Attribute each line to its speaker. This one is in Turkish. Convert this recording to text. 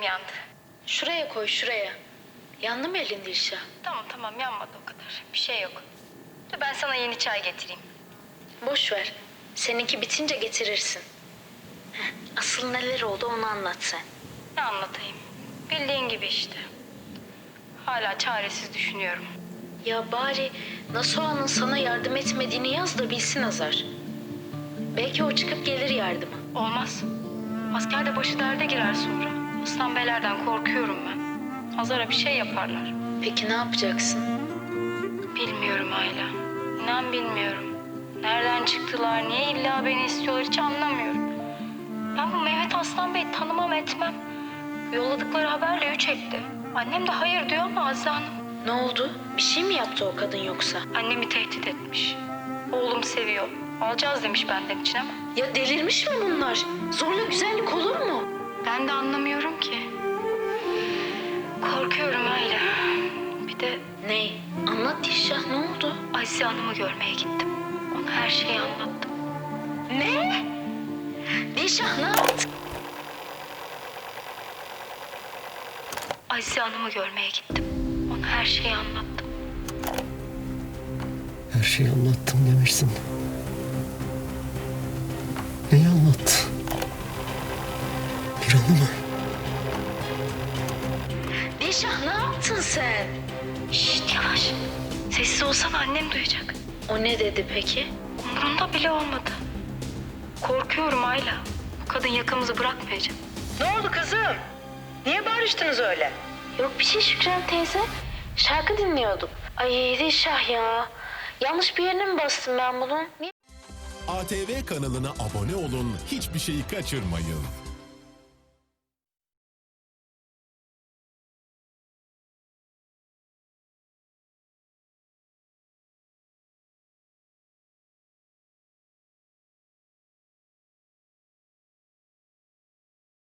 Speaker 1: yandı.
Speaker 2: Şuraya koy, şuraya. Yandı mı elin Dilşah?
Speaker 1: Tamam yanmadı o kadar. Bir şey yok. Dur ben sana yeni çay getireyim.
Speaker 2: Boş ver. Seninki bitince getirirsin. Asıl neler oldu onu anlat sen.
Speaker 1: Ne anlatayım? Bildiğin gibi işte. Hala çaresiz düşünüyorum.
Speaker 2: Ya bari Nasuha'nın sana yardım etmediğini yaz da bilsin Hazar. Belki o çıkıp gelir yardıma.
Speaker 1: Olmaz. Askerde başı derde girer sonra. Aslan Beyler'den korkuyorum ben. Hazar'a bir şey yaparlar.
Speaker 2: Peki ne yapacaksın?
Speaker 1: Bilmiyorum Ayla. İnan bilmiyorum. Nereden çıktılar, niye illa beni istiyorlar hiç anlamıyorum. Ben bu Mehmet Aslan Bey'i tanımam etmem. Yolladıkları haberle üç etti. Annem de hayır diyor ama Azize Hanım.
Speaker 2: Ne oldu? Bir şey mi yaptı o kadın yoksa?
Speaker 1: Annemi tehdit etmiş. Oğlum seviyor. Alacağız demiş benden için ama.
Speaker 2: Ya delirmiş mi bunlar? Zorla güzellik olur mu?
Speaker 1: Ben de anlamıyorum ki. Korkuyorum Ayla. Bir de
Speaker 2: Ne? Anlat Dilşah, ne oldu?
Speaker 1: Azize Hanım'ı görmeye gittim. Ona her şeyi anlattım.
Speaker 2: Ne? Dilşah ne yaptın?
Speaker 1: Azize Hanım'ı görmeye gittim. Ona her şeyi anlattım.
Speaker 3: Her şeyi anlattım demişsin. Neyi anlattı? Miran'ı mı?
Speaker 2: Dilşah ne yaptın sen?
Speaker 1: Şşt yavaş. Sessiz olsana annem duyacak.
Speaker 2: O ne dedi peki?
Speaker 1: Umurunda bile olmadı. Korkuyorum Ayla. Bu kadın yakamızı bırakmayacak.
Speaker 4: Ne oldu kızım? Niye bağırıştınız öyle?
Speaker 2: Yok bir şey Şükran teyze. Şarkı dinliyorduk. Ay Dilşah ya. Yanlış bir yerine mi bastım ben bunun? Niye?
Speaker 5: ATV kanalına abone olun, hiçbir şeyi kaçırmayın.